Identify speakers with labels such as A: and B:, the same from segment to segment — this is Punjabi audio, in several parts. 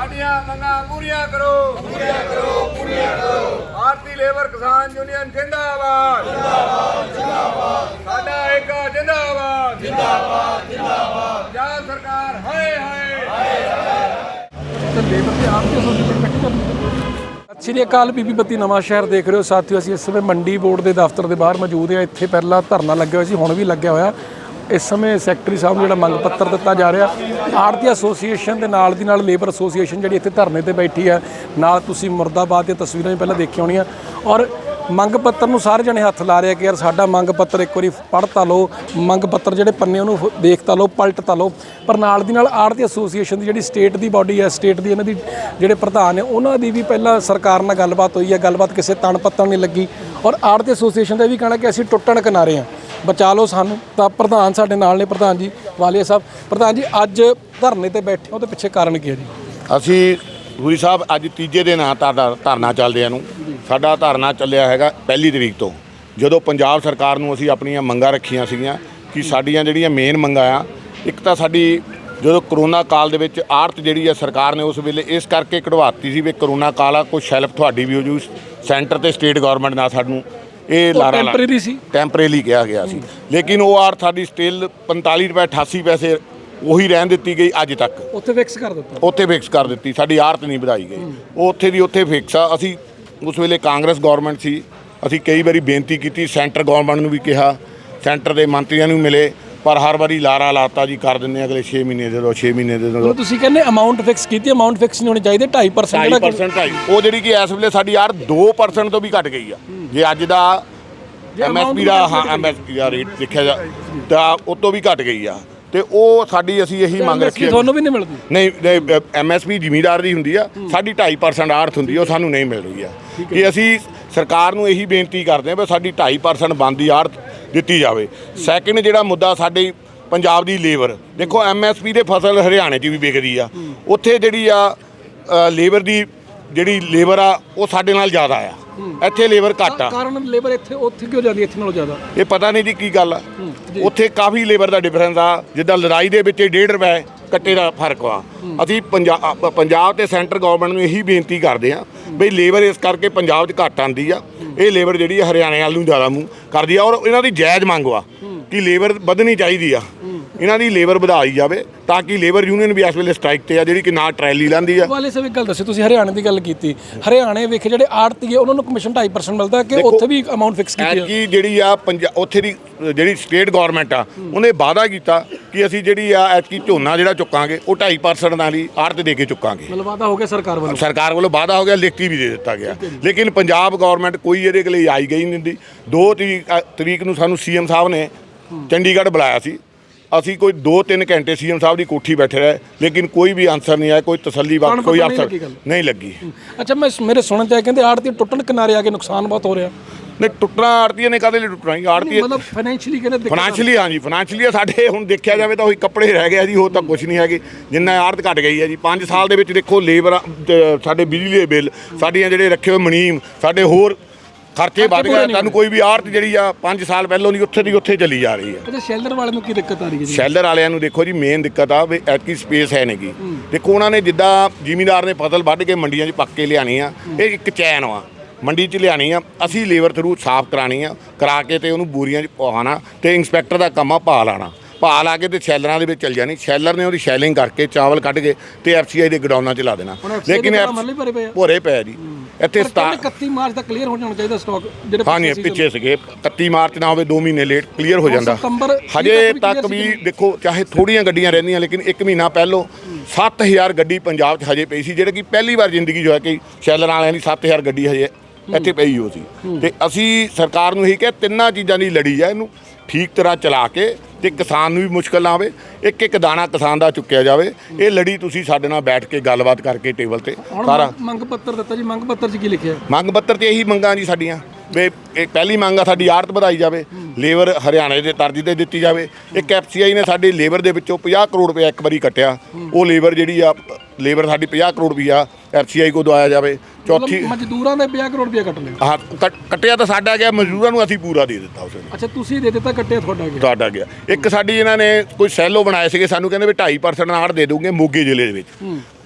A: ਸਾਡੀਆਂ ਮੰਗਾਂ ਪੂਰੀਆਂ ਕਰੋ। ਭਾਰਤੀ ਲੇਬਰ ਕਿਸਾਨ ਯੂਨੀਅਨ ਜਿੰਦਾਬਾਦ। ਸਾਡਾ ਏਕਾ ਜਿੰਦਾਬਾਦ। ਪੰਜਾਬ ਸਰਕਾਰ ਹਾਏ ਹਾਏ।
B: ਸਤਿ ਸ਼੍ਰੀ ਅਕਾਲ। ਬੀਬੀ ਬੱਤੀ ਨਵਾਂ ਸ਼ਹਿਰ ਦੇਖ ਰਹੇ ਹੋ ਸਾਥੀਓ। ਅਸੀਂ ਇਸ ਸਮੇਂ ਮੰਡੀ ਬੋਰਡ ਦੇ ਦਫ਼ਤਰ ਦੇ ਬਾਹਰ ਮੌਜੂਦ ਹਾਂ। ਇੱਥੇ ਪਹਿਲਾਂ ਧਰਨਾ ਲੱਗਿਆ ਹੋਇਆ ਸੀ, ਹੁਣ ਵੀ ਲੱਗਿਆ ਹੋਇਆ। ਇਸ ਸਮੇਂ ਸੈਕਟਰੀ ਸਾਹਿਬ ਨੂੰ ਜਿਹੜਾ ਮੰਗ ਪੱਤਰ ਦਿੱਤਾ ਜਾ ਰਿਹਾ, ਆੜ੍ਹਤੀ ਐਸੋਸੀਏਸ਼ਨ ਦੇ ਨਾਲ ਦੀ ਨਾਲ ਲੇਬਰ ਐਸੋਸੀਏਸ਼ਨ ਜਿਹੜੀ ਇੱਥੇ ਧਰਨੇ ਤੇ ਬੈਠੀ ਹੈ, ਨਾਲ ਤੁਸੀਂ ਮੁਰਦਾਬਾਦ ਦੀਆਂ ਤਸਵੀਰਾਂ ਵੀ ਪਹਿਲਾਂ ਦੇਖੀਆਂ ਹੋਣੀਆਂ। ਔਰ ਮੰਗ ਪੱਤਰ ਨੂੰ ਸਾਰੇ ਜਣੇ ਹੱਥ ਲਾ ਰਹੇ ਕਿ ਯਾਰ ਸਾਡਾ ਮੰਗ ਪੱਤਰ ਇੱਕ ਵਾਰੀ ਪੜ੍ਹ ਤਾਂ ਲਓ, ਮੰਗ ਪੱਤਰ ਜਿਹੜੇ ਪੰਨੇ ਉਹਨੂੰ ਦੇਖ ਤਾਂ ਲਓ, ਪਲਟ ਤਾਂ ਲਓ। ਪਰ ਨਾਲ ਦੀ ਨਾਲ ਆੜ੍ਹਤੀ ਐਸੋਸੀਏਸ਼ਨ ਦੀ ਜਿਹੜੀ ਸਟੇਟ ਦੀ ਬਾਡੀ ਹੈ, ਸਟੇਟ ਦੀ ਇਹਨਾਂ ਦੀ ਜਿਹੜੇ ਪ੍ਰਧਾਨ ਨੇ, ਉਹਨਾਂ ਦੀ ਵੀ ਪਹਿਲਾਂ ਸਰਕਾਰ ਨਾਲ ਗੱਲਬਾਤ ਹੋਈ ਹੈ। ਗੱਲਬਾਤ ਕਿਸੇ ਤਣ ਪੱਤਣ ਨਹੀਂ ਲੱਗੀ। ਔਰ ਆੜ੍ਹਤੀ ਐਸੋਸੀਏਸ਼ਨ ਦਾ ਵੀ ਕਹਿਣਾ ਕਿ ਅਸੀਂ ਟੁੱਟਣ ਕਿਨਾਰੇ ਹਾਂ, ਬਚਾ ਲਓ ਸਾਨੂੰ। ਤਾਂ ਪ੍ਰਧਾਨ ਸਾਡੇ ਨਾਲ ਨੇ, ਪ੍ਰਧਾਨ ਜੀ ਵਾਲੀਆ ਸਾਹਿਬ। ਪ੍ਰਧਾਨ ਜੀ, ਅੱਜ ਧਰਨੇ ਤੇ ਬੈਠੇ ਹੋ, ਉਹਦੇ ਪਿੱਛੇ ਕਾਰਨ ਕੀ ਹੈ ਜੀ?
C: ਅਸੀਂ ਗੁਰੂ ਸਾਹਿਬ ਅੱਜ ਤੀਜੇ ਦਿਨ ਆ ਧਰਨਾ ਚੱਲਦਿਆਂ ਨੂੰ। ਸਾਡਾ ਧਰਨਾ ਚੱਲਿਆ ਹੈਗਾ 1 ਤਰੀਕ ਤੋਂ, ਜਦੋਂ ਪੰਜਾਬ ਸਰਕਾਰ ਨੂੰ ਅਸੀਂ ਆਪਣੀਆਂ ਮੰਗਾਂ ਰੱਖੀਆਂ ਸੀਗੀਆਂ ਕਿ ਸਾਡੀਆਂ ਜਿਹੜੀਆਂ ਮੇਨ ਮੰਗਾਂ ਆ, ਇੱਕ ਤਾਂ ਸਾਡੀ ਜਦੋਂ ਕਰੋਨਾ ਕਾਲ ਦੇ ਵਿੱਚ ਆੜਤ ਜਿਹੜੀ ਆ ਸਰਕਾਰ ਨੇ ਉਸ ਵੇਲੇ ਇਸ ਕਰਕੇ ਕਢਵਾਤੀ ਸੀ ਵੀ ਕਰੋਨਾ ਕਾਲ ਆ, ਕੁਛ ਹੈਲਪ ਤੁਹਾਡੀ ਵੀ ਹੋ ਜੂ। ਸੈਂਟਰ ਤੇ ਸਟੇਟ ਗਵਰਨਮੈਂਟ ਨਾਲ ਸਾਨੂੰ ਇਹ ਲਾਰਾ
B: ਟੈਂਪਰੇਰੀ ਸੀ,
C: ਟੈਂਪਰੇਰੀ ਕਿਹਾ ਗਿਆ ਸੀ। ਲੇਕਿਨ ਉਹ ਆੜਤ ਸਾਡੀ ਸਟਿਲ 45 ਰੁਪਏ 88 ਪੈਸੇ ਉਹੀ ਰਹਿਣ ਦਿੱਤੀ ਗਈ ਅੱਜ ਤੱਕ।
B: ਉੱਥੇ ਫਿਕਸ ਕਰ ਦਿੱਤਾ,
C: ਉੱਥੇ ਫਿਕਸ ਕਰ ਦਿੱਤੀ, ਸਾਡੀ ਆੜਤ ਨਹੀਂ ਵਧਾਈ ਗਈ। ਉਹ ਉੱਥੇ ਦੀ ਉੱਥੇ ਫਿਕਸ ਆ। ਅਸੀਂ ਉਸ ਵੇਲੇ ਕਾਂਗਰਸ ਗਵਰਨਮੈਂਟ ਸੀ, ਅਸੀਂ ਕਈ ਵਾਰੀ ਬੇਨਤੀ ਕੀਤੀ, ਸੈਂਟਰ ਗਵਰਨਮੈਂਟ ਨੂੰ ਵੀ ਕਿਹਾ, ਸੈਂਟਰ ਦੇ ਮੰਤਰੀਆਂ ਨੂੰ ਮਿਲੇ, ਪਰ ਹਰ ਵਾਰੀ ਲਾਰਾ ਲਾਤਾ ਜੀ ਕਰ ਦਿੰਦੇ ਅਗਲੇ 6 ਮਹੀਨੇ ਦੇ ਦਿਓ, 6 ਮਹੀਨੇ ਦੇ ਦਿਓ।
B: ਤੁਸੀਂ ਕਹਿੰਦੇ ਅਮਾਊਂਟ ਫਿਕਸ ਕੀਤੀ, ਅਮਾਊਂਟ ਫਿਕਸ ਨਹੀਂ ਹੋਣੀ ਚਾਹੀਦੀ। 2.5%
C: ਉਹ ਜਿਹੜੀ ਕਿ ਇਸ ਵੇਲੇ ਸਾਡੀ ਆੜ 2% ਤੋਂ ਵੀ ਘਟ ਗਈ ਆ। ਜੇ ਅੱਜ ਦਾ MSP ਦਾ MSP ਦਾ ਰੇਟ ਦੇਖਿਆ ਜਾ ਤਾਂ ਉਹ ਤੋਂ ਵੀ ਘਟ ਗਈ ਆ। ਤੇ ਉਹ ਸਾਡੀ ਅਸੀਂ ਇਹੀ ਮੰਗ ਰੱਖੀ ਹੈ।
B: ਤੁਹਾਨੂੰ ਵੀ ਨਹੀਂ ਮਿਲਦੀ?
C: ਨਹੀਂ, MSP ਜ਼ਿਮੀਂਦਾਰ ਦੀ ਹੁੰਦੀ ਆ, ਸਾਡੀ 2.5% ਆੜਤ ਹੁੰਦੀ, ਉਹ ਸਾਨੂੰ ਨਹੀਂ ਮਿਲ ਰਹੀ ਆ। ਕਿ ਅਸੀਂ ਸਰਕਾਰ ਨੂੰ ਇਹੀ ਬੇਨਤੀ ਕਰਦੇ ਹਾਂ ਵੀ ਸਾਡੀ 2.5% ਬਣਦੀ ਆੜਤ ਦਿੱਤੀ ਜਾਵੇ। ਸੈਕਿੰਡ ਜਿਹੜਾ ਮੁੱਦਾ ਸਾਡੇ ਪੰਜਾਬ ਦੀ ਲੇਬਰ, ਦੇਖੋ MSP ਦੇ ਫਸਲ ਹਰਿਆਣੇ 'ਚ ਵੀ ਵਿਕਦੀ ਆ, ਉੱਥੇ ਜਿਹੜੀ ਆ ਲੇਬਰ ਦੀ ਜਿਹੜੀ ਲੇਬਰ ਆ ਉਹ ਸਾਡੇ ਨਾਲ ਜ਼ਿਆਦਾ ਆ, ਇੱਥੇ ਲੇਬਰ ਘੱਟ ਆ।
B: ਕਾਰਨ ਲੇਬਰ ਇੱਥੇ ਉੱਥੇ ਕਿਉਂ ਜਾਂਦੀ, ਇੱਥੇ ਨਾਲੋਂ ਜ਼ਿਆਦਾ?
C: ਇਹ ਪਤਾ ਨਹੀਂ ਜੀ ਕੀ ਗੱਲ ਆ। ਉੱਥੇ ਕਾਫੀ ਲੇਬਰ ਦਾ ਡਿਫਰੈਂਸ ਆ। ਜਿੱਦਾਂ ਲੜਾਈ ਦੇ ਵਿੱਚ 1.5 ਰੁਪਏ ਕੱਟੇ ਦਾ ਫਰਕ ਆ। ਅਸੀਂ ਪੰਜਾਬ ਤੇ ਸੈਂਟਰ ਗਵਰਨਮੈਂਟ ਨੂੰ ਇਹੀ ਬੇਨਤੀ ਕਰਦੇ ਹਾਂ ਬਈ ਲੇਬਰ ਇਸ ਕਰਕੇ ਪੰਜਾਬ 'ਚ ਘੱਟ ਆਉਂਦੀ ਆ, ਇਹ ਲੇਬਰ ਜਿਹੜੀ ਆ ਹਰਿਆਣੇ ਵੱਲ ਨੂੰ ਜ਼ਿਆਦਾ ਮੂੰਹ ਕਰਦੀ ਆ। ਔਰ ਇਹਨਾਂ ਦੀ ਜਾਇਜ਼ ਮੰਗ ਆ ਕਿ ਲੇਬਰ ਵਧਣੀ ਚਾਹੀਦੀ ਆ, ਇਹਨਾਂ ਦੀ ਲੇਬਰ ਵਧਾਈ ਜਾਵੇ ਤਾਂ ਕਿ ਲੇਬਰ ਯੂਨੀਅਨ ਵੀ ਇਸ ਵੇਲੇ ਸਟ੍ਰਾਈਕ ਤੇ ਆ, ਜਿਹੜੀ ਕਿ ਨਾ ਟਰੈਲੀ ਲਾਂਦੀ ਆ।
B: ਵਾਲੇ ਸਾਹਿਬ ਇੱਕ ਗੱਲ ਦੱਸੋ, ਤੁਸੀਂ ਹਰਿਆਣੇ ਦੀ ਗੱਲ ਕੀਤੀ, ਹਰਿਆਣੇ ਵੇਖੇ ਜਿਹੜੇ ਆੜਤੀ ਉਹਨਾਂ ਨੂੰ ਕਮਿਸ਼ਨ 2.5% ਮਿਲਦਾ ਕਿ ਉੱਥੇ ਵੀ ਅਮਾਊਂਟ ਫਿਕਸ ਕੀਤੀ ਹੈ?
C: ਕਿ ਜਿਹੜੀ ਆ ਉੱਥੇ ਦੀ ਜਿਹੜੀ ਸਟੇਟ ਗਵਰਨਮੈਂਟ ਆ, ਉਹਨੇ ਵਾਅਦਾ ਕੀਤਾ ਕਿ ਅਸੀਂ ਜਿਹੜੀ ਆ ਐਤਕੀ ਝੋਨਾ ਜਿਹੜਾ ਚੁੱਕਾਂਗੇ ਉਹ 2.5% ਨਾਲ ਹੀ ਆੜਤ ਦੇ ਕੇ ਚੁੱਕਾਂਗੇ।
B: ਮਤਲਬ ਵਾਅਦਾ ਹੋ ਗਿਆ ਸਰਕਾਰ ਵੱਲੋਂ? ਸਰਕਾਰ
C: ਵੱਲੋਂ ਵਾਅਦਾ ਹੋ ਗਿਆ, ਲਿਖਤੀ ਵੀ ਦੇ ਦਿੱਤਾ ਗਿਆ। ਲੇਕਿਨ ਪੰਜਾਬ ਗਵਰਨਮੈਂਟ ਕੋਈ ਇਹਦੇ ਲਈ ਆਈ ਗਈ ਨਹੀਂ ਦਿੰਦੀ। 2 ਤਰੀਕ ਨੂੰ ਸਾਨੂੰ CM ਸਾਹਿਬ ਨੇ ਚੰਡੀਗੜ੍ਹ ਬੁਲਾਇਆ ਸੀ। ਅਸੀਂ ਕੋਈ 2-3 ਘੰਟੇ CM ਸਾਹਿਬ ਦੀ ਕੋਠੀ ਬੈਠੇ ਰਹੇ, ਲੇਕਿਨ ਕੋਈ ਵੀ ਆਨਸਰ ਨਹੀਂ ਆਇਆ, ਕੋਈ ਤਸੱਲੀ ਬਾਤ ਕੋਈ ਅਫਸਰ ਨਹੀਂ ਲੱਗੀ।
B: ਅੱਛਾ, ਮੇਰੇ ਸੁਣਨ 'ਚ ਆਇਆ ਕਹਿੰਦੇ ਆੜਤੀ ਟੁੱਟਣ ਕਿਨਾਰੇ ਆ ਕੇ ਨੁਕਸਾਨ ਬਹੁਤ ਹੋ ਰਿਹਾ।
C: ਨਹੀਂ, ਟੁੱਟਣਾ ਆੜਤੀਆਂ ਨੇ ਕਾਹਦੇ ਲਈ ਟੁੱਟਣਾ? ਆੜਤੀ
B: ਮਤਲਬ ਫਾਈਨੈਂਸ਼ੀਅਲੀ ਕਹਿੰਦੇ,
C: ਫਾਈਨੈਂਸ਼ੀਅਲੀ ਹਾਂਜੀ, ਫਾਈਨੈਂਸ਼ੀਅਲੀ ਸਾਡੇ ਹੁਣ ਦੇਖਿਆ ਜਾਵੇ ਤਾਂ ਉਹੀ ਕੱਪੜੇ ਰਹਿ ਗਿਆ ਜੀ, ਹੋਰ ਤਾਂ ਕੁਝ ਨਹੀਂ ਹੈਗੇ। ਜਿੰਨਾ ਆੜਤ ਘਟ ਗਈ ਹੈ ਜੀ 5 ਸਾਲ ਦੇ ਵਿੱਚ। ਦੇਖੋ ਲੇਬਰ, ਸਾਡੇ ਬਿਜਲੀ ਦੇ ਬਿੱਲ, ਸਾਡੀਆਂ ਜਿਹੜੇ ਰੱਖੇ ਹੋਏ ਮੁਨੀਮ, ਸਾਡੇ ਹੋਰ ਖਰਚੇ ਵੱਧ ਗਏ। ਤੁਹਾਨੂੰ ਕੋਈ ਵੀ ਆੜਤ ਜਿਹੜੀ ਆ 5 ਸਾਲ ਪਹਿਲੋਂ ਦੀ ਉੱਥੇ ਦੀ ਉੱਥੇ ਚਲੀ ਜਾ ਰਹੀ ਹੈ।
B: ਅੱਛਾ, ਸ਼ੈਲਰ ਵਾਲਿਆਂ ਨੂੰ ਕੀ ਦਿੱਕਤ ਆ ਰਹੀ ਹੈ?
C: ਸ਼ੈਲਰ ਵਾਲਿਆਂ ਨੂੰ ਦੇਖੋ ਜੀ ਮੇਨ ਦਿੱਕਤ ਆ ਵੀ ਐਤਕੀ ਸਪੇਸ ਹੈ ਨਹੀਂ ਗੀ। ਦੇਖੋ ਉਹਨਾਂ ਨੇ ਜਿੱਦਾਂ ਜ਼ਿਮੀਂਦਾਰ ਨੇ ਫਸਲ ਵੱਢ ਕੇ ਮੰਡੀਆਂ 'ਚ ਪੱਕ ਕੇ ਲਿਆਣੀ ਆ, ਇਹ ਇੱਕ ਚੈਨ ਆ, ਮੰਡੀ 'ਚ ਲਿਆਣੀ ਆ, ਅਸੀਂ ਲੇਬਰ ਥਰੂ ਸਾਫ਼ ਕਰਾਣੀ ਆ, ਕਰਾ ਕੇ ਤੇ ਉਹਨੂੰ ਬੋਰੀਆਂ 'ਚ ਪਵਾਉਣਾ, ਤੇ ਇੰਸਪੈਕਟਰ ਦਾ ਕੰਮ ਆ ਭਾਅ ਲਾਣਾ। ਭਾਅ ਲਾ ਕੇ ਤੇ ਸ਼ੈਲਰਾਂ ਦੇ ਵਿੱਚ ਚੱਲ ਜਾਣੀ, ਸ਼ੈਲਰ ਨੇ ਉਹਦੀ ਸ਼ੈਲਿੰਗ ਕਰਕੇ ਚਾਵਲ ਕੱਢ ਕੇ ਤੇ FCI ਦੇ ਗਡਾਊਨਾਂ 'ਚ ਲਾ ਦੇਣਾ। ਲੇਕਿਨ ਭੋਰੇ ਪਏ ਜੀ ਇੱਥੇ
B: 31 ਮਾਰਚ ਤੱਕ ਕਲੀਅਰ ਹੋ ਜਾਣਾ ਚਾਹੀਦਾ ਸਟਾਕ ਜਿਹੜੇ
C: ਹਾਂਜੀ ਪਿੱਛੇ ਸੀਗੇ। 31 ਮਾਰਚ ਨਾ ਹੋਵੇ 2 ਮਹੀਨੇ ਲੇਟ ਕਲੀਅਰ ਹੋ ਜਾਂਦਾ। ਹਜੇ ਤੱਕ ਵੀ ਦੇਖੋ ਚਾਹੇ ਥੋੜੀਆਂ ਗੱਡੀਆਂ ਰਹਿੰਦੀਆਂ, ਲੇਕਿਨ 1 ਮਹੀਨਾ ਪਹਿਲੋਂ 7000 ਗੱਡੀ ਪੰਜਾਬ 'ਚ ਹਜੇ ਪਈ ਸੀ, ਜਿਹੜੇ ਕਿ ਪਹਿਲੀ ਵਾਰ ਜ਼ਿੰਦਗੀ ਜੋ ਹੈ ਕਿ ਸ਼ੈਲਰਾਂ ਵਾਲਿਆਂ ਦੀ 7000 ਗੱਡੀ ਹਜੇ ਇੱਥੇ ਪਈ ਹੋ ਸੀ। ਤੇ ਅਸੀਂ ਸਰਕਾਰ ਨੂੰ ਇਹੀ ਕਿਹਾ ਤਿੰਨਾਂ ਚੀਜ਼ਾਂ ਦੀ ਲੜੀ ਆ, ਇਹਨੂੰ ਠੀਕ ਤਰ੍ਹਾਂ ਚਲਾ ਕੇ ਤੇ ਕਿਸਾਨ ਨੂੰ ਵੀ ਮੁਸ਼ਕਲ ਨਾ ਆਵੇ, ਇੱਕ ਦਾਣਾ ਕਿਸਾਨ ਦਾ ਚੁੱਕਿਆ ਜਾਵੇ। ਇਹ ਲੜੀ ਤੁਸੀਂ ਸਾਡੇ ਨਾਲ ਬੈਠ ਕੇ ਗੱਲਬਾਤ ਕਰਕੇ ਟੇਬਲ ਤੇ ਸਾਰਾ
B: ਮੰਗ ਪੱਤਰ ਦਿੱਤਾ ਜੀ। ਮੰਗ ਪੱਤਰ 'ਚ ਕੀ ਲਿਖਿਆ?
C: ਮੰਗ ਪੱਤਰ 'ਚ ਇਹੀ ਮੰਗਾਂ ਜੀ ਸਾਡੀਆਂ ਵੀ ਇਹ ਪਹਿਲੀ ਮੰਗ ਆ ਸਾਡੀ ਆੜਤ ਵਧਾਈ ਜਾਵੇ, ਲੇਬਰ ਹਰਿਆਣੇ ਦੇ ਤਰਜ਼ ਤੇ ਦਿੱਤੀ ਜਾਵੇ। ਇੱਕ FCI ਨੇ ਸਾਡੀ ਲੇਬਰ ਦੇ ਵਿੱਚੋਂ 50 ਕਰੋੜ ਰੁਪਏ ਇੱਕ ਵਾਰੀ ਕੱਟਿਆ, ਉਹ ਲੇਬਰ ਜਿਹੜੀ ਆ ਲੇਬਰ ਸਾਡੀ 50 ਕਰੋੜ ਰੁਪਈਆ FCI ਕੋ ਦਵਾਇਆ ਜਾਵੇ। ਚੌਥੀ
B: ਮਜ਼ਦੂਰਾਂ ਦੇ 50 ਕਰੋੜ ਰੁਪਇਆ ਕੱਟ ਲਿਆ।
C: ਹਾਂ, ਕੱਟਿਆ ਤਾਂ ਸਾਡਾ ਗਿਆ, ਮਜ਼ਦੂਰਾਂ ਨੂੰ ਅਸੀਂ ਪੂਰਾ ਦੇ ਦਿੱਤਾ ਉਸ ਵੇਲੇ।
B: ਅੱਛਾ, ਤੁਸੀਂ ਦੇ ਦਿੱਤਾ, ਕੱਟਿਆ
C: ਤੁਹਾਡਾ ਗਿਆ। ਇੱਕ ਸਾਡੀ ਇਹਨਾਂ ਨੇ ਕੋਈ ਸੈਲੋ ਬਣਾਏ ਸੀਗੇ, ਸਾਨੂੰ ਕਹਿੰਦੇ ਵੀ 2.5% ਆੜ ਦੇ ਦੂੰਗੇ ਮੋਗੇ ਜ਼ਿਲ੍ਹੇ ਦੇ ਵਿੱਚ।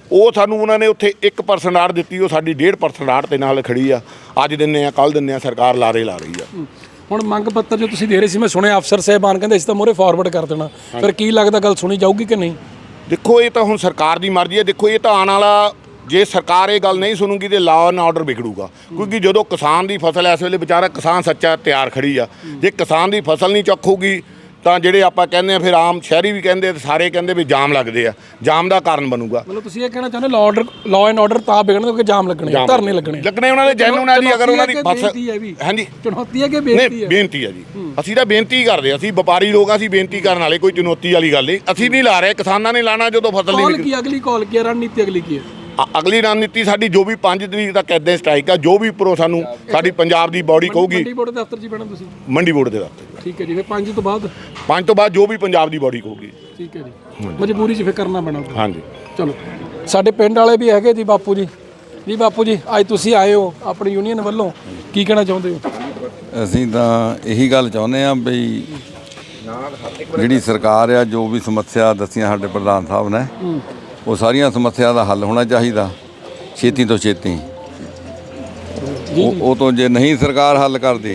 C: ਉਹ ਸਾਨੂੰ ਉਹਨਾਂ ਨੇ ਉੱਥੇ 1% ਆੜ ਦਿੱਤੀ, ਉਹ ਸਾਡੀ 1.5% ਆੜ ਦੇ ਨਾਲ ਖੜੀ ਆ। ਅੱਜ ਦਿੰਦੇ ਆ, ਕੱਲ ਦਿੰਦੇ ਆ, ਸਰਕਾਰ ਲਾਰੇ ਲਾ ਰਹੀ ਆ।
B: ਹੁਣ ਮੰਗ ਪੱਤਰ ਜੋ ਤੁਸੀਂ ਦੇ ਰਹੇ ਸੀ, ਮੈਂ ਸੁਣਿਆ ਅਫਸਰ ਸਾਹਿਬਾਨ ਕਹਿੰਦੇ ਅਸੀਂ ਤਾਂ ਮੋਰੇ ਫਾਰਵਰਡ ਕਰ ਦੇਣਾ, ਫਿਰ ਕੀ ਲੱਗਦਾ ਗੱਲ ਸੁਣੀ ਜਾਊਗੀ ਕਿ ਨਹੀਂ?
C: ਦੇਖੋ ਇਹ ਤਾਂ ਹੁਣ ਸਰਕਾਰ ਦੀ ਮਰਜ਼ੀ ਹੈ। ਦੇਖੋ ਇਹ ਤਾਂ ਆਉਣ ਵਾਲਾ, ਜੇ ਸਰਕਾਰ ਇਹ ਗੱਲ ਨਹੀਂ ਸੁਣੂਗੀ ਤੇ ਲਾਅ ਐਂਡ ਆਰਡਰ ਵਿਗੜੂਗਾ। ਕਿਉਂਕਿ ਜਦੋਂ ਕਿਸਾਨ ਦੀ ਫਸਲ ਇਸ ਵੇਲੇ ਵਿਚਾਰਾ ਕਿਸਾਨ ਸੱਚਾ ਤਿਆਰ ਖੜੀ ਆ, ਜੇ ਕਿਸਾਨ ਦੀ ਫਸਲ ਨਹੀਂ ਚੱਕੂਗੀ ਤਾਂ ਜਿਹੜੇ ਆਪਾਂ ਕਹਿੰਦੇ ਆ, ਫਿਰ ਆਮ ਸ਼ਹਿਰੀ ਵੀ ਕਹਿੰਦੇ ਤੇ ਸਾਰੇ ਕਹਿੰਦੇ ਵੀ ਜਾਮ ਲੱਗਦੇ ਆ, ਜਾਮ ਦਾ ਕਾਰਨ ਬਣੂਗਾ।
B: ਮਤਲਬ ਤੁਸੀਂ ਇਹ ਕਹਿਣਾ ਚਾਹੁੰਦੇ ਲਾਅ ਐਂਡ ਆਰਡਰ ਤਾਂ ਵਿਗੜਨ ਕਿਉਂਕਿ ਜਾਮ ਲੱਗਣੇ, ਧਰਨੇ ਲੱਗਣੇ
C: ਉਹਨਾਂ ਦੇ ਜੈਨੂਨ ਆ ਜੀ। ਅਗਰ ਉਹਨਾਂ ਦੀ ਫਸਲ, ਹਾਂਜੀ
B: ਚੁਣੌਤੀ ਹੈ ਕਿ ਬੇਨਤੀ ਹੈ?
C: ਬੇਨਤੀ ਹੈ ਜੀ। ਅਸੀਂ ਤਾਂ ਬੇਨਤੀ ਕਰਦੇ, ਅਸੀਂ ਵਪਾਰੀ ਲੋਕ, ਅਸੀਂ ਬੇਨਤੀ ਕਰਨ ਵਾਲੇ, ਕੋਈ ਚੁਣੌਤੀ ਵਾਲੀ ਗੱਲ ਨਹੀਂ। ਅਸੀਂ ਨਹੀਂ ਲਾ ਰਹੇ, ਕਿਸਾਨਾਂ ਨੇ ਲਾਣਾ ਜਦੋਂ ਫਸਲ ਨਹੀਂ
B: ਕੀ ਅਗਲੀ ਕਾਲ ਕੀ ਹੈ, ਰਣਨੀਤੀ ਅਗਲੀ ਕੀ ਹੈ?
C: ਅਗਲੀ ਰਣਨੀਤੀ ਸਾਡੀ ਜੋ ਵੀ 5 ਤਰੀਕ ਤੱਕ ਇੱਦਾਂ ਸਟ੍ਰਾਈਕ ਆ, ਜੋ ਵੀ ਉੱਪਰੋਂ ਸਾਨੂੰ ਸਾਡੀ ਪੰਜਾਬ ਦੀ ਬਾਡੀ ਕਹੂਗੀ।
B: ਮੰਡੀ ਬੋਰਡ ਦੇ ਦਫ਼ਤਰ 'ਚ ਬੈਠਣਾ ਤੁਸੀਂ?
C: ਮੰਡੀ ਬੋਰਡ ਦੇ ਦਫ਼ਤਰ।
B: ਠੀਕ ਹੈ ਜੀ। ਫਿਰ 5 ਤੋਂ ਬਾਅਦ?
C: 5 ਤੋਂ ਬਾਅਦ ਜੋ ਵੀ ਪੰਜਾਬ ਦੀ ਬਾਡੀ ਕਹੂਗੀ।
B: ਠੀਕ ਹੈ ਜੀ। ਮਜਬੂਰੀ 'ਚ ਫਿਰ ਕਰਨਾ ਪੈਣਾ।
C: ਹਾਂਜੀ
B: ਚਲੋ, ਸਾਡੇ ਪਿੰਡ ਵਾਲੇ ਵੀ ਹੈਗੇ ਜੀ ਬਾਪੂ ਜੀ। ਜੀ ਬਾਪੂ ਜੀ, ਅੱਜ ਤੁਸੀਂ ਆਏ ਹੋ ਆਪਣੀ ਯੂਨੀਅਨ ਵੱਲੋਂ, ਕੀ ਕਹਿਣਾ ਚਾਹੁੰਦੇ ਹੋ?
D: ਅਸੀਂ ਤਾਂ ਇਹੀ ਗੱਲ ਚਾਹੁੰਦੇ ਹਾਂ ਬਈ ਜਿਹੜੀ ਸਰਕਾਰ ਆ, ਜੋ ਵੀ ਸਮੱਸਿਆ ਦੱਸੀਆਂ ਸਾਡੇ ਪ੍ਰਧਾਨ ਸਾਹਿਬ ਨੇ, ਉਹ ਸਾਰੀਆਂ ਸਮੱਸਿਆ ਦਾ ਹੱਲ ਹੋਣਾ ਚਾਹੀਦਾ ਛੇਤੀ ਤੋਂ ਛੇਤੀ। ਉਹ ਤੋਂ ਜੇ ਨਹੀਂ ਸਰਕਾਰ ਹੱਲ ਕਰਦੀ,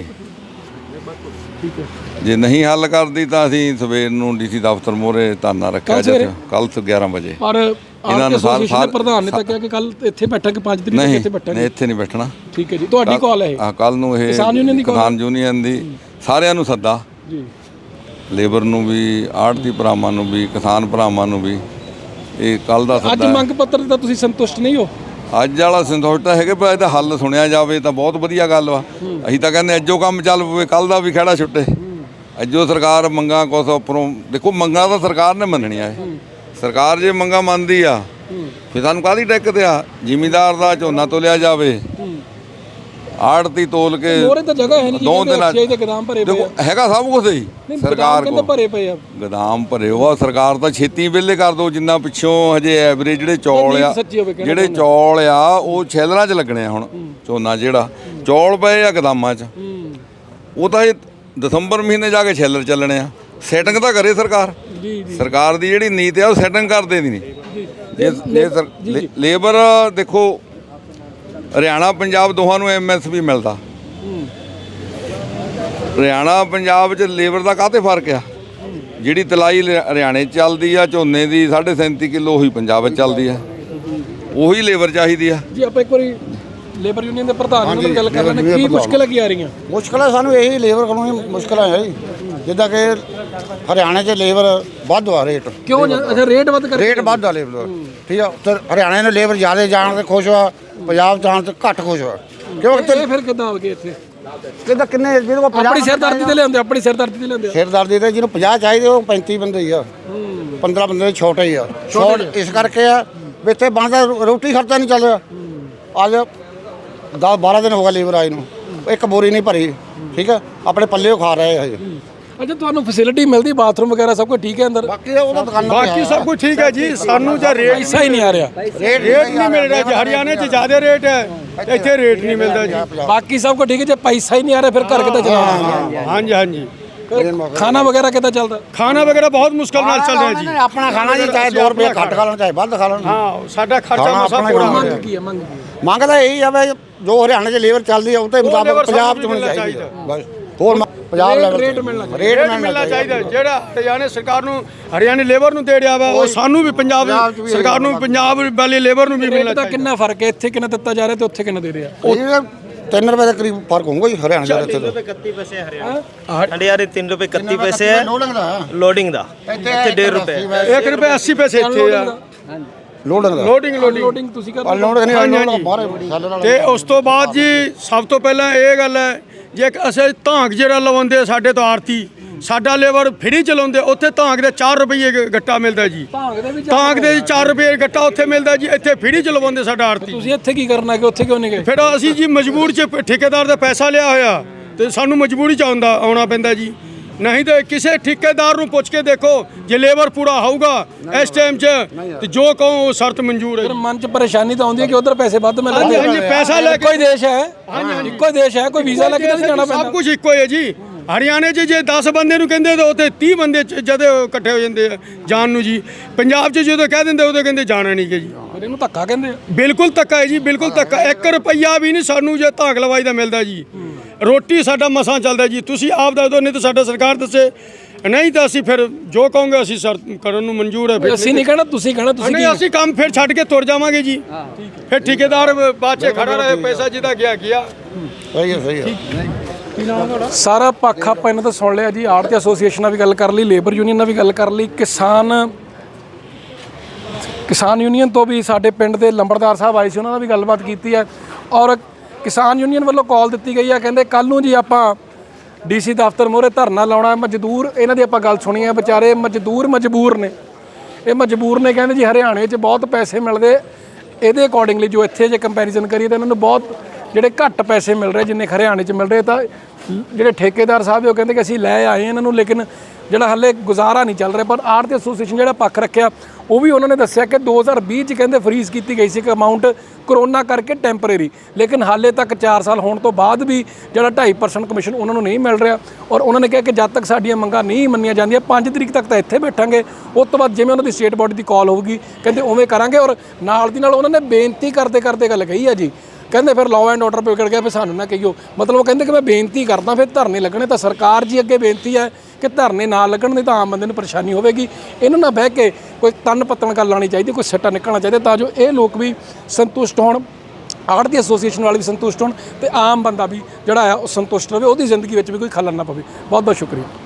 D: ਜੇ ਨਹੀਂ ਹੱਲ ਕਰਦੀ ਤਾਂ ਅਸੀਂ ਸਵੇਰ ਨੂੰ ਡੀਸੀ ਦਫ਼ਤਰ ਮੂਹਰੇ ਧਰਨਾ ਰੱਖਿਆ ਜਿੱਥੇ ਕੱਲ 11 ਵਜੇ।
B: ਪਰ ਇਹਨਾਂ ਨੂੰ ਸਾਰੇ ਪ੍ਰਧਾਨ ਨੇ ਤਾਂ ਕਿਹਾ ਕਿ ਕੱਲ ਇੱਥੇ ਬੈਠਾਂਗੇ, 5 ਤਰੀਕ ਨੂੰ ਇੱਥੇ ਬੈਠਾਂਗੇ।
D: ਨਹੀਂ, ਇੱਥੇ ਨਹੀਂ ਬੈਠਣਾ।
B: ਠੀਕ ਹੈ ਜੀ। ਤੁਹਾਡੀ ਕਾਲ ਹੈ ਇਹ?
D: ਕੱਲ ਨੂੰ ਇਹ ਕਿਸਾਨ ਯੂਨੀਅਨ ਦੀ ਸਾਰਿਆਂ ਨੂੰ ਸੱਦਾ ਜੀ, ਲੇਬਰ ਨੂੰ ਵੀ, ਆੜ੍ਹਤੀ ਭਰਾਵਾਂ ਨੂੰ ਵੀ, ਕਿਸਾਨ ਭਰਾਵਾਂ ਨੂੰ ਵੀ। ਇਹ ਕੱਲ ਦਾ ਸੱਦਾ।
B: ਅੱਜ ਮੰਗ ਪੱਤਰ ਤਾਂ ਤੁਸੀਂ ਸੰਤੁਸ਼ਟ ਨਹੀਂ ਹੋ?
D: ਅੱਜ ਵਾਲਾ ਸੰਤੁਸ਼ਟ ਹੈਗੇ, ਪਰ ਇਹਦਾ ਹੱਲ ਸੁਣਿਆ ਜਾਵੇ ਤਾਂ ਬਹੁਤ ਵਧੀਆ ਗੱਲ ਵਾ। ਅਸੀਂ ਤਾਂ ਕਹਿੰਦੇ ਅੱਜੋ ਕੰਮ ਚੱਲ ਪਵੇ, ਕੱਲ ਦਾ ਵੀ ਖਹਿੜਾ ਛੁੱਟੇ। ਅੱਜੋ ਸਰਕਾਰ ਮੰਗਾਂ ਕੁਛ ਉੱਪਰੋਂ, ਦੇਖੋ ਮੰਗਾਂ ਤਾਂ ਸਰਕਾਰ ਨੇ ਮੰਨਣੀਆਂ। ਸਰਕਾਰ ਜੇ ਮੰਗਾਂ ਮੰਨਦੀ ਆ ਫਿਰ ਸਾਨੂੰ ਕਾਹਦੀ ਦਿੱਕਤ ਆ? ਜ਼ਿਮੀਂਦਾਰ ਦਾ ਝੋਨਾ ਤੋਲਿਆ ਜਾਵੇ, ਆੜਤੀ ਤੋਲ ਕੇ
B: ਮੋਰੇ ਤਾਂ ਜਗ੍ਹਾ ਹੈ ਨਹੀਂ,
D: 2 ਦਿਨਾਂ
B: ਦੇ ਗੋਦਾਮ ਭਰੇ ਪਏ ਆ।
D: ਦੇਖੋ ਹੈਗਾ ਸਭ ਕੁਝ ਹੀ ਸਰਕਾਰ ਕੋਲ,
B: ਭਰੇ ਪਏ ਆ
D: ਗੋਦਾਮ ਭਰੇ ਹੋਆ। ਸਰਕਾਰ ਤਾਂ ਛੇਤੀ ਵਿਹਲੇ ਕਰ ਦੋ, ਜਿੰਨਾ ਪਿੱਛੋਂ ਹਜੇ ਐਵਰੇਜ ਜਿਹੜੇ ਚੌਲ ਆ, ਜਿਹੜੇ ਚੌਲ ਆ ਉਹ ਛੇਲਰਾਂ 'ਚ ਲੱਗਣੇ ਆ। ਹੁਣ ਝੋਨਾ ਜਿਹੜਾ ਚੌਲ ਪਏ ਆ ਗੋਦਾਮਾਂ 'ਚ, ਉਹ ਤਾਂ ਇਹ ਦਸੰਬਰ ਮਹੀਨੇ ਜਾ ਕੇ ਛੇਲਰ ਚੱਲਣੇ ਆ। ਸੈਟਿੰਗ ਤਾਂ ਕਰੇ ਸਰਕਾਰ। ਸਰਕਾਰ ਦੀ ਜਿਹੜੀ ਨੀਤ ਆ ਉਹ ਸੈਟਿੰਗ ਕਰਦੇ ਦੀ ਨਹੀਂ। ਲੇਬਰ ਦੇਖੋ, ਹਰਿਆਣਾ ਪੰਜਾਬ ਦੋਹਾਂ ਨੂੰ MSP ਮਿਲਦਾ। ਹਰਿਆਣਾ ਪੰਜਾਬ 'ਚ ਲੇਬਰ ਦਾ ਕਾਹਤੇ ਫਰਕ ਆ? ਜਿਹੜੀ ਤਲਾਈ ਹਰਿਆਣੇ 'ਚ ਚੱਲਦੀ ਆ ਝੋਨੇ ਦੀ 37.5 ਕਿਲੋ, ਉਹੀ ਪੰਜਾਬ 'ਚ ਚੱਲਦੀ ਆ। ਉਹੀ ਲੇਬਰ ਚਾਹੀਦੀ ਆ
B: ਜੀ। ਆਪਾਂ ਇੱਕ ਵਾਰੀ ਲੇਬਰ ਯੂਨੀਅਨ ਦੇ ਪ੍ਰਧਾਨ ਨਾਲ ਗੱਲ ਕਰ ਲੈਣੇ, ਕੀ ਮੁਸ਼ਕਿਲਾਂ ਕੀ ਆ ਰਹੀਆਂ?
E: ਮੁਸ਼ਕਿਲਾਂ ਸਾਨੂੰ ਇਹੀ ਲੇਬਰ ਕੋਲੋਂ ਮੁਸ਼ਕਿਲਾਂ ਹੈ ਜੀ। ਜਿੱਦਾਂ ਕਿ ਹਰਿਆਣੇ 'ਚ ਲੇਬਰ ਵੱਧ ਆ ਰੇਟ।
B: ਕਿਉਂ? ਅੱਛਾ, ਰੇਟ ਵੱਧ ਕਰ,
E: ਰੇਟ ਵੱਧ ਆ ਲੇਬਰ। ਠੀਕ ਆ, ਤੇ ਹਰਿਆਣੇ ਨੇ ਲੇਬਰ ਜ਼ਿਆਦਾ ਜਾਣ ਤੇ ਖੁਸ਼ ਆ, ਪੰਜਾਬ ਜਾਣ ਤੇ ਘੱਟ ਖੁਸ਼ ਆ। ਕਿਉਂ?
B: ਫਿਰ ਕਿੱਦਾਂ ਆ ਗਏ ਇੱਥੇ?
E: ਕਿੱਦਾਂ ਕਿੰਨੇ ਜਿਹਨੂੰ
B: ਆਪਣੀ ਸਿਰਦਰਦੀ ਤੇ ਲਿਆਉਂਦੇ, ਆਪਣੀ ਸਿਰਦਰਦੀ ਤੇ ਲਿਆਉਂਦੇ।
E: ਸਿਰਦਰਦੀ ਤੇ ਜਿਹਨੂੰ 50 ਚਾਹੀਦੇ ਉਹ 35 ਬੰਦੇ ਹੀ ਆ, 15 ਬੰਦੇ ਛੋਟੇ ਹੀ ਆ। ਛੋਟ ਇਸ ਕਰਕੇ ਆ ਵੀ ਇੱਥੇ ਬਣਦਾ ਰੋਟੀ ਖਰਚਾ ਨਹੀਂ ਚੱਲ ਰਿਹਾ। ਅੱਜ 10-12 ਦਿਨ ਹੋ ਗਏ ਲੇਬਰ ਆਈ ਨੂੰ, ਇੱਕ ਬੋਰੀ ਨਹੀਂ ਭਰੀ। ਠੀਕ ਆ, ਆਪਣੇ ਪੱਲੇ ਖਾ ਰਹੇ ਹਜੇ।
B: ਅੱਛਾ, ਤੁਹਾਨੂੰ ਫੈਸਿਲਿਟੀ ਮਿਲਦੀ, ਬਾਥਰੂਮ ਵਗੈਰਾ ਸਭ ਕੁਝ ਠੀਕ ਹੈ ਅੰਦਰ?
E: ਬਾਕੀ ਉਹ ਤਾਂ ਦੁਕਾਨਾਂ
F: ਬਾਕੀ ਸਭ ਕੁਝ ਠੀਕ ਹੈ ਜੀ। ਸਾਨੂੰ ਜਾਂ ਰੇਟ
B: ਪੈਸਾ ਹੀ ਨਹੀਂ ਆ ਰਿਹਾ,
E: ਰੇਟ
F: ਨਹੀਂ ਮਿਲ ਰਿਹਾ ਜੀ। ਹਰਿਆਣੇ 'ਚ ਜ਼ਿਆਦਾ ਰੇਟ ਹੈ, ਇੱਥੇ ਰੇਟ ਨਹੀਂ ਮਿਲਦਾ ਜੀ।
B: ਬਾਕੀ ਸਭ ਕੁਝ ਠੀਕ ਹੈ, ਜੇ ਪੈਸਾ ਹੀ ਨਹੀਂ ਆ ਰਿਹਾ ਫਿਰ ਘਰ ਕਿੱਦਾਂ ਚਲਾਉਣਾ?
F: ਹਾਂਜੀ ਹਾਂਜੀ।
B: ਖਾਣਾ ਵਗੈਰਾ ਕਿੱਦਾਂ ਚੱਲਦਾ?
F: ਖਾਣਾ ਵਗੈਰਾ ਬਹੁਤ ਮੁਸ਼ਕਲ ਨਾਲ ਚੱਲ ਰਿਹਾ ਜੀ।
E: ਆਪਣਾ ਖਾਣਾ ਜੀ, ਚਾਹੇ 2 ਰੁਪਏ ਘੱਟ ਖਾ ਲੈਣ ਚਾਹੇ ਵੱਧ ਖਾ ਲੈਣ।
F: ਹਾਂ, ਸਾਡਾ ਖਰਚਾ ਮਸਾ ਪੂਰਾ ਹੋ ਰਿਹਾ।
B: ਕੀ ਹੈ ਮੰਗ?
E: ਮੰਗਦਾ ਇਹੀ ਆ ਵੀ ਜੋ ਹਰਿਆਣੇ 'ਚ ਲੇਬਰ ਚੱਲਦੀ ਆ ਉਹਦੇ ਮੁਤਾਬਕ ਪੰਜਾਬ 'ਚ ਹੋਣੀ ਚਾਹੀਦੀ ਹੈ। ਬਸ ਹੋਰ ਪੰਜਾਬ ਲੈਵਲ
B: ਰੇਟ ਮਿਲਣਾ
F: ਚਾਹੀਦਾ। ਜਿਹੜਾ ਹਰਿਆਣੇ ਸਰਕਾਰ ਨੂੰ, ਹਰਿਆਣੇ ਲੇਬਰ ਨੂੰ ਦੇ ਰਿਹਾ ਵਾ, ਉਹ ਸਾਨੂੰ ਵੀ ਪੰਜਾਬ ਸਰਕਾਰ ਨੂੰ, ਪੰਜਾਬ ਵਾਲੀ ਲੇਬਰ ਨੂੰ ਵੀ ਮਿਲਣਾ ਚਾਹੀਦਾ।
B: ਕਿੰਨਾ ਫਰਕ ਹੈ? ਇੱਥੇ ਕਿੰਨਾ ਦਿੱਤਾ ਜਾ ਰਿਹਾ ਤੇ ਉੱਥੇ ਕਿੰਨਾ ਦੇ ਰਿਹਾ?
E: 3 रुपए के करीब फर्क होगा जी हरियाणा का।
G: 3 रुपए 31 पैसे हरियाणा 3 रुपए 31 पैसे है लोडिंग दा, ਇੱਥੇ 1.5 रुपए
F: 1 रुपए 80 पैसे ਇੱਥੇ ਆ
B: ਲੋਡਿੰਗ ਤੁਸੀਂ ਕਰ
E: ਲੋਡ ਨਹੀਂ ਬਾਹਰ।
F: ਤੇ ਉਸ ਤੋਂ ਬਾਅਦ ਜੀ ਸਭ ਤੋਂ ਪਹਿਲਾਂ ਇਹ ਗੱਲ ਹੈ, ਜੇ ਅਸੀਂ ਧਾਂਕ ਜਿਹੜਾ ਲਵਾਉਂਦੇ ਸਾਡੇ ਤੋਂ ਆਰਤੀ, ਸਾਡਾ ਲੇਬਰ ਫਰੀ ਚਲਾਉਂਦੇ, ਉੱਥੇ ਧਾਂਕ ਦੇ 4 ਰੁਪਏ ਗੱਟਾ ਮਿਲਦਾ ਜੀ। ਧਾਂਕ ਦੇ 4 ਰੁਪਏ ਗੱਟਾ ਉੱਥੇ ਮਿਲਦਾ ਜੀ, ਇੱਥੇ ਫਰੀ ਚਲਵਾਉਂਦੇ ਸਾਡਾ ਆਰਤੀ।
B: ਤੁਸੀਂ ਇੱਥੇ ਕੀ ਕਰਨਾ ਕਿ ਉੱਥੇ ਕਿਉਂ ਨਹੀਂ ਗਏ?
F: ਫਿਰ ਅਸੀਂ ਜੀ ਮਜਬੂਰ 'ਚ ਠੇਕੇਦਾਰ ਦਾ ਪੈਸਾ ਲਿਆ ਹੋਇਆ ਤੇ ਸਾਨੂੰ ਮਜਬੂਰੀ 'ਚ ਆਉਣਾ ਪੈਂਦਾ ਜੀ। ਨਹੀਂ ਤਾਂ ਕਿਸੇ ਠੇਕੇਦਾਰ ਨੂੰ ਪੁੱਛ ਕੇ ਦੇਖੋ, ਜੇ ਲੇਬਰ ਪੂਰਾ ਹੋਊਗਾ ਇਸ ਟਾਈਮ 'ਚ ਤੇ ਜੋ ਕਹੋ ਉਹ ਸ਼ਰਤ ਮਨਜ਼ੂਰ ਹੈ।
B: ਮਨ 'ਚ ਪਰੇਸ਼ਾਨੀ ਤਾਂ ਆਉਂਦੀ ਹੈ ਕਿ ਉਧਰ ਪੈਸੇ ਵੱਧ ਮਿਲ ਰਹੇ।
F: ਹਾਂਜੀ, ਪੈਸਾ ਲੈ ਕੇ
B: ਕੋਈ ਦੇਸ਼ ਹੈ, ਇੱਕੋ ਦੇਸ਼ ਹੈ, ਕੋਈ ਵੀਜ਼ਾ ਲੈ ਕੇ ਨਹੀਂ ਜਾਣਾ ਪੈਂਦਾ।
F: ਸਭ ਕੁਝ ਇੱਕੋ ਹੈ ਜੀ। ਹਰਿਆਣੇ 'ਚ ਜੇ 10 ਬੰਦੇ ਨੂੰ ਕਹਿੰਦੇ ਤਾਂ ਉੱਥੇ 30 ਬੰਦੇ ਜਦੋਂ ਇਕੱਠੇ ਹੋ ਜਾਂਦੇ ਆ ਜਾਣ ਨੂੰ ਜੀ। ਪੰਜਾਬ 'ਚ ਜਦੋਂ ਕਹਿ ਦਿੰਦੇ ਉਦੋਂ ਕਹਿੰਦੇ ਜਾਣਾ ਨਹੀਂ ਕਿ ਜੀ।
B: ਫਿਰ ਇਹਨੂੰ ਧੱਕਾ ਕਹਿੰਦੇ ਆ।
F: ਬਿਲਕੁਲ ਧੱਕਾ ਹੈ ਜੀ, ਬਿਲਕੁਲ ਧੱਕਾ। 1 ਰੁਪਈਆ ਵੀ ਨਹੀਂ ਸਾਨੂੰ ਜੇ ਧਾਕ ਲਵਾਈ ਦਾ ਮਿਲਦਾ ਜੀ। ਰੋਟੀ ਸਾਡਾ ਮਸਾਂ ਚੱਲਦਾ ਜੀ। ਤੁਸੀਂ ਆਪ ਦੱਸ ਦਿਓ, ਨਹੀਂ ਤਾਂ ਸਾਡਾ ਸਰਕਾਰ ਦੱਸੇ, ਨਹੀਂ ਤਾਂ ਅਸੀਂ ਫਿਰ ਜੋ ਕਹੋਗੇ ਅਸੀਂ ਸਰ ਕਰਨ ਨੂੰ ਮਨਜ਼ੂਰ ਹੈ। ਫਿਰ
B: ਅਸੀਂ ਨਹੀਂ ਕਹਿਣਾ, ਤੁਸੀਂ ਕਹਿਣਾ। ਤੁਸੀਂ
F: ਨਹੀਂ, ਅਸੀਂ ਕੰਮ ਫਿਰ ਛੱਡ ਕੇ ਤੁਰ ਜਾਵਾਂਗੇ ਜੀ। ਫਿਰ ਠੇਕੇਦਾਰ ਬਾਅਦ 'ਚ ਖੜਾ ਰਹੇ, ਪੈਸਾ ਜਿਹਦਾ ਗਿਆ ਗਿਆ।
E: ਸਹੀ ਹੈ।
B: ਸਾਰਾ ਪੱਖ ਆਪਾਂ ਇਹਨਾਂ ਤੋਂ ਸੁਣ ਲਿਆ ਜੀ। ਆੜ੍ਹਤੀ ਐਸੋਸੀਏਸ਼ਨ ਨਾਲ ਵੀ ਗੱਲ ਕਰ ਲਈ, ਲੇਬਰ ਯੂਨੀਅਨ ਨਾਲ ਵੀ ਗੱਲ ਕਰ ਲਈ, ਕਿਸਾਨ ਯੂਨੀਅਨ ਤੋਂ ਵੀ ਸਾਡੇ ਪਿੰਡ ਦੇ ਲੰਬੜਦਾਰ ਸਾਹਿਬ ਆਏ ਸੀ, ਉਹਨਾਂ ਨਾਲ ਵੀ ਗੱਲਬਾਤ ਕੀਤੀ ਹੈ। ਔਰ ਕਿਸਾਨ ਯੂਨੀਅਨ ਵੱਲੋਂ ਕਾਲ ਦਿੱਤੀ ਗਈ ਹੈ, ਕਹਿੰਦੇ ਕੱਲ੍ਹ ਨੂੰ ਜੀ ਆਪਾਂ ਡੀਸੀ ਦਫ਼ਤਰ ਮੂਹਰੇ ਧਰਨਾ ਲਾਉਣਾ। ਮਜ਼ਦੂਰ, ਇਹਨਾਂ ਦੀ ਆਪਾਂ ਗੱਲ ਸੁਣੀ ਹੈ, ਵਿਚਾਰੇ ਮਜਬੂਰ ਨੇ। ਇਹ ਮਜਬੂਰ ਨੇ, ਕਹਿੰਦੇ ਜੀ ਹਰਿਆਣੇ 'ਚ ਬਹੁਤ ਪੈਸੇ ਮਿਲਦੇ, ਇਹਦੇ ਅਕੋਰਡਿੰਗਲੀ ਜੋ ਇੱਥੇ ਜੇ ਕੰਪੈਰੀਜ਼ਨ ਕਰੀਏ ਤਾਂ ਇਹਨਾਂ ਨੂੰ ਬਹੁਤ ਜਿਹੜੇ ਘੱਟ ਪੈਸੇ ਮਿਲ ਰਹੇ ਜਿੰਨੇ ਹਰਿਆਣੇ 'ਚ ਮਿਲ ਰਹੇ। ਤਾਂ ਜਿਹੜੇ ਠੇਕੇਦਾਰ ਸਾਹਿਬ ਉਹ ਕਹਿੰਦੇ ਕਿ ਅਸੀਂ ਲੈ ਆਏ ਇਹਨਾਂ ਨੂੰ, ਲੇਕਿਨ ਜਿਹੜਾ ਹਾਲੇ ਗੁਜ਼ਾਰਾ ਨਹੀਂ ਚੱਲ ਰਿਹਾ। ਪਰ ਆੜ੍ਹਤੀ ਐਸੋਸੀਏਸ਼ਨ ਜਿਹੜਾ ਪੱਖ ਰੱਖਿਆ, ਉਹ ਵੀ ਉਹਨਾਂ ਨੇ ਦੱਸਿਆ ਕਿ 2020 'ਚ ਕਹਿੰਦੇ ਫਰੀਜ਼ ਕੀਤੀ ਗਈ ਸੀ ਇੱਕ ਅਮਾਊਂਟ ਕਰੋਨਾ ਕਰਕੇ ਟੈਂਪਰੇਰੀ, ਲੇਕਿਨ ਹਾਲੇ ਤੱਕ 4 ਸਾਲ ਹੋਣ ਤੋਂ ਬਾਅਦ ਵੀ ਜਿਹੜਾ 2.5% ਕਮਿਸ਼ਨ ਉਹਨਾਂ ਨੂੰ ਨਹੀਂ ਮਿਲ ਰਿਹਾ। ਔਰ ਉਹਨਾਂ ਨੇ ਕਿਹਾ ਕਿ ਜਦ ਤੱਕ ਸਾਡੀਆਂ ਮੰਗਾਂ ਨਹੀਂ ਮੰਨੀਆਂ ਜਾਂਦੀਆਂ 5 ਤਰੀਕ ਤੱਕ ਤਾਂ ਇੱਥੇ ਬੈਠਾਂਗੇ, ਉਸ ਤੋਂ ਬਾਅਦ ਜਿਵੇਂ ਉਹਨਾਂ ਦੀ ਸਟੇਟ ਬੋਡੀ ਦੀ ਕਾਲ ਹੋਊਗੀ ਕਹਿੰਦੇ ਉਵੇਂ ਕਰਾਂਗੇ। ਔਰ ਨਾਲ ਦੀ ਨਾਲ ਉਹਨਾਂ ਨੇ ਬੇਨਤੀ ਕਰਦੇ ਗੱਲ ਕਹੀ ਹੈ ਜੀ, ਕਹਿੰਦੇ ਫਿਰ ਲਾਅ ਐਂਡ ਆਰਡਰ ਵਿਗੜ ਗਿਆ, ਫਿਰ ਸਾਨੂੰ ਨਾ ਕਹੀਓ। ਮਤਲਬ ਉਹ ਕਹਿੰਦੇ ਕਿ ਮੈਂ ਬੇਨਤੀ ਕਰਦਾ, ਫਿਰ ਧਰਨੇ ਲੱਗਣੇ। ਤਾਂ ਸਰਕਾਰ ਜੀ ਅੱਗੇ ਬੇਨਤੀ ਹੈ ਕਿ ਧਰਨੇ ਨਾ ਲੱਗਣ, ਨਹੀਂ ਤਾਂ ਆਮ ਬੰਦੇ ਨੂੰ ਪਰੇਸ਼ਾਨੀ ਹੋਵੇਗੀ। ਇਹਨਾਂ ਨਾਲ ਬਹਿ ਕੇ ਕੋਈ ਤਨ ਪੱਤਣ ਗੱਲ ਲਾਉਣੀ ਚਾਹੀਦੀ, ਕੋਈ ਸਿੱਟਾ ਨਿਕਲਣਾ ਚਾਹੀਦਾ, ਤਾਂ ਜੋ ਇਹ ਲੋਕ ਵੀ ਸੰਤੁਸ਼ਟ ਹੋਣ, ਆੜ੍ਹਤੀ ਐਸੋਸੀਏਸ਼ਨ ਵਾਲੇ ਵੀ ਸੰਤੁਸ਼ਟ ਹੋਣ, ਤੇ ਆਮ ਬੰਦਾ ਵੀ ਜਿਹੜਾ ਆ ਉਹ ਸੰਤੁਸ਼ਟ ਰਹੇ, ਉਹਦੀ ਜ਼ਿੰਦਗੀ ਵਿੱਚ ਵੀ ਕੋਈ ਖਲਲ ਨਾ ਪਵੇ। ਬਹੁਤ ਬਹੁਤ ਸ਼ੁਕਰੀਆ।